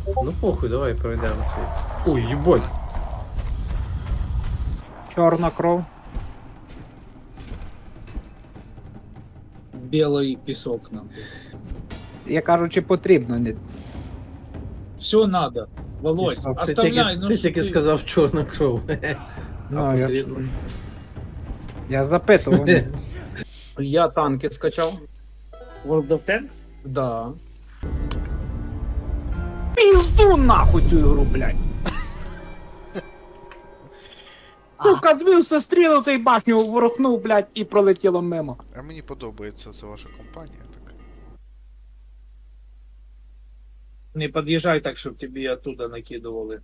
Ну похуй, давай пройдемо цей. Ой, їбать. Чорна кров. Белый песок нам. Я кажу, чи потрібно. Не... Все надо. Володь, Песок. оставляй, ну Ти что тільки ты? сказав чорна кров. Ну, я, ж... потрібно? я запитував. Я танки скачав. World of Tanks? Да. Пізду нахуй цю ігру, блядь. Сука, звівся, стрілив цей башню, ворухнув, блядь, і пролетіло мимо. А мені подобається це ваша компанія. Так. Не подъезжай так, чтобы тебе оттуда накидывали.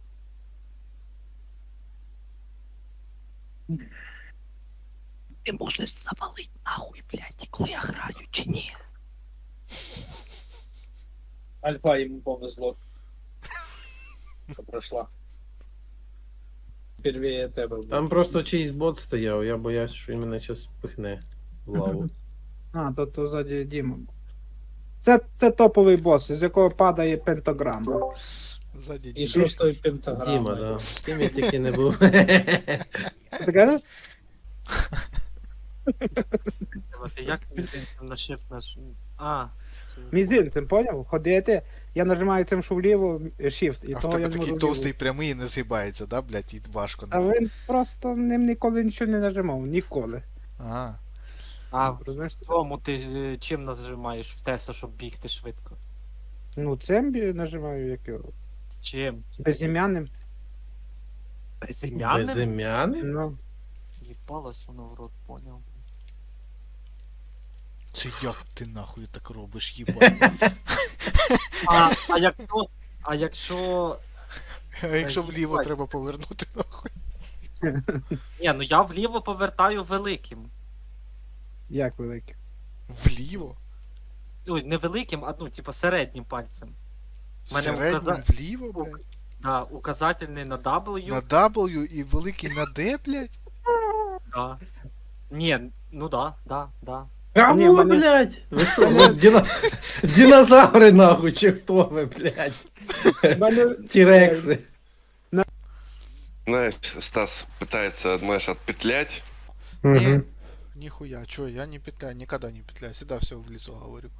Ти можеш завалить нахуй, блядь, коли я граю, чи ні? Альфа ему повезло. Что прошла. Первее тебе. буде. Там просто чийсь бот стояв, я боявся, що він мене зараз спихне в лаву. А, то ззаді Діма. Це топовий бос, з якого падає пентаграма. Ззаді І Діма. шостої пентаграми. Діма, да. З ким я тільки не був. Ти кажеш? Ти як мізинцем на shift наш? А, це- Мізинцем, поняв? Ходити, я нажимаю цим, що вліво, shift, і А в того я тебе не можу такий вліво. товстий прямий і не згибається, да, блядь, і важко. А він просто ним ніколи нічого не нажимав, ніколи. Ага. а в Розумієш? тому ти чим нажимаєш в Теса, щоб бігти швидко? Ну, цим нажимаю, як його. Чим? Безім'яним. Безім'яним? Безім'яний? Ну. Їбалось воно в рот, поняв. Це як ти нахуй так робиш, їбать? А якщо... А якщо вліво їбать. треба повернути нахуй? Ні, ну я вліво повертаю великим. Як великий. Вліво? Ой, не великим, а ну, типа середнім пальцем. Мене Середнім вліво, блядь? Да, указательний на W. На W і великий на D, блядь? Да. Ні, ну да. А Ні, ну, мене- блядь! Ви що, динозаври нахуй, чи хто ви, блядь? Тірекси. Знаешь, Стас пытается, знаешь, отпетлять. Ні. Ніхуя, чо, я не петляю, никогда не петляю, всегда все в лицо говорю.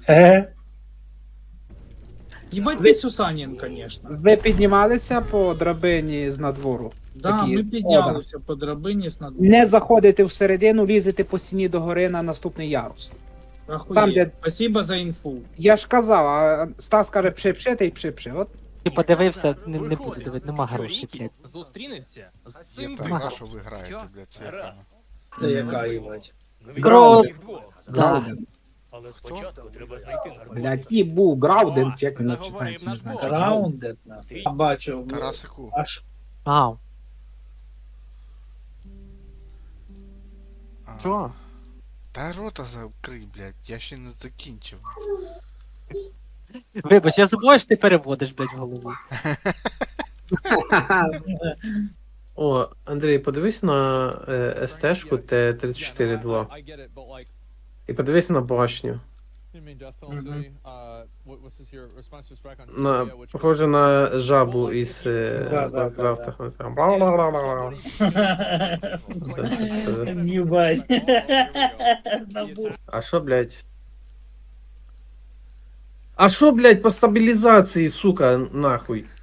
Ебать ты Сусанин, конечно. Ви піднімалися по драбині з надвору? Да, Такі, ми піднялися по драбині з над... Не заходите всередину, лізете по стіні догори на наступний ярус. Охуєть. там, де- Спасибо за інфу. Я ж казав, а Стас каже пши-пши, та й пши-пши. От Ти подивився, не буду дивитися, нема грошей, блядь. Зустрінеться з Я цим так, Ага. а що ви граєте, блядь, це яка? Це яка їбать. Крот! Да. Але спочатку треба знайти наркотик. блядь, і був Грауден, чи як він Заговорив читається, не наш знаю. бог. Раундед на. Я бачу. Тарасику, Аж Ау. а, Що? та рота закрий, блядь, я ще не закінчив. Вибач, я забуваю, що ти переводиш, блядь, в голові. О, Андрій, подивись на СТ-шку Т-34-2. І подивись на башню. Похоже на жабу із Варкрафта. Ебать. А що, блядь? А що, блядь, по стабілізації, сука, нахуй?